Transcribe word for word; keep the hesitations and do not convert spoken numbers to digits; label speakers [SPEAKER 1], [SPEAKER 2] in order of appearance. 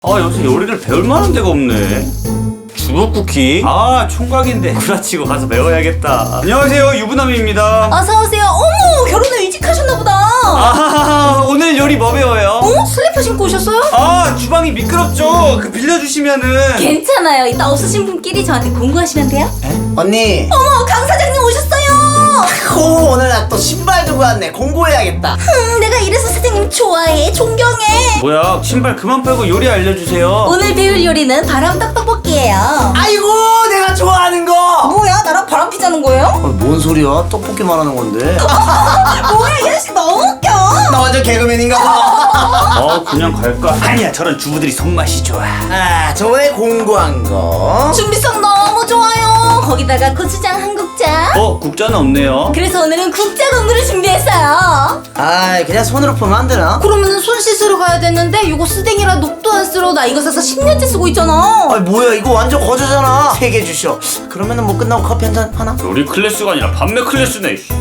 [SPEAKER 1] 아, 요새 요리를 배울 만한 데가 없네. 주먹쿠키? 아, 총각인데 구라치고 가서 배워야겠다. 안녕하세요, 유부남입니다.
[SPEAKER 2] 어서오세요. 어머, 결혼을 일찍 하셨나보다.
[SPEAKER 1] 아, 오늘 요리 뭐 배워요?
[SPEAKER 2] 어? 슬리퍼 신고 오셨어요?
[SPEAKER 1] 아, 주방이 미끄럽죠? 그 빌려주시면은.
[SPEAKER 2] 괜찮아요. 이따 없으신 분끼리 저한테 공구하시면 돼요.
[SPEAKER 3] 언니,
[SPEAKER 2] 어머, 강 사장님 오셨어요.
[SPEAKER 3] 오, 오늘 나 또 신발 두고 왔네. 공부해야겠다.
[SPEAKER 2] 음, 내가 이래서 사장님 좋아해, 존경해.
[SPEAKER 1] 뭐야, 신발 그만 빼고 요리 알려주세요.
[SPEAKER 2] 오늘 배울 요리는 바람떡 떡볶이예요.
[SPEAKER 3] 아이고, 내가 좋아하는 거.
[SPEAKER 2] 뭐야, 나랑 바람 피자는 거예요?
[SPEAKER 3] 아, 뭔 소리야? 떡볶이 말하는 건데.
[SPEAKER 2] 뭐야, 이 아저씨 너무 웃겨.
[SPEAKER 3] 나 완전 개그맨인가 봐.
[SPEAKER 1] 어, 그냥 갈까? 아니야, 저런 주부들이 손맛이 좋아.
[SPEAKER 3] 아, 저번에 공부한 거.
[SPEAKER 2] 준비성 너무 좋아요. 거기다가 고추장 한 국자.
[SPEAKER 1] 어, 국자는 없네요.
[SPEAKER 2] 그래서 오늘은 국자 공부를 준비했어요.
[SPEAKER 3] 아, 그냥 손으로 풀면 안 되나?
[SPEAKER 2] 그러면은 손 씻으러 가야 되는데 이거 쓰댕이라 녹도 안 쓸어. 나 이거 사서 십 년째 쓰고 있잖아.
[SPEAKER 3] 아, 뭐야, 이거 완전 거저잖아. 세 개 주셔. 그러면은 뭐 끝나고 커피 한 잔 하나?
[SPEAKER 1] 요리 클래스가 아니라 판매 클래스네.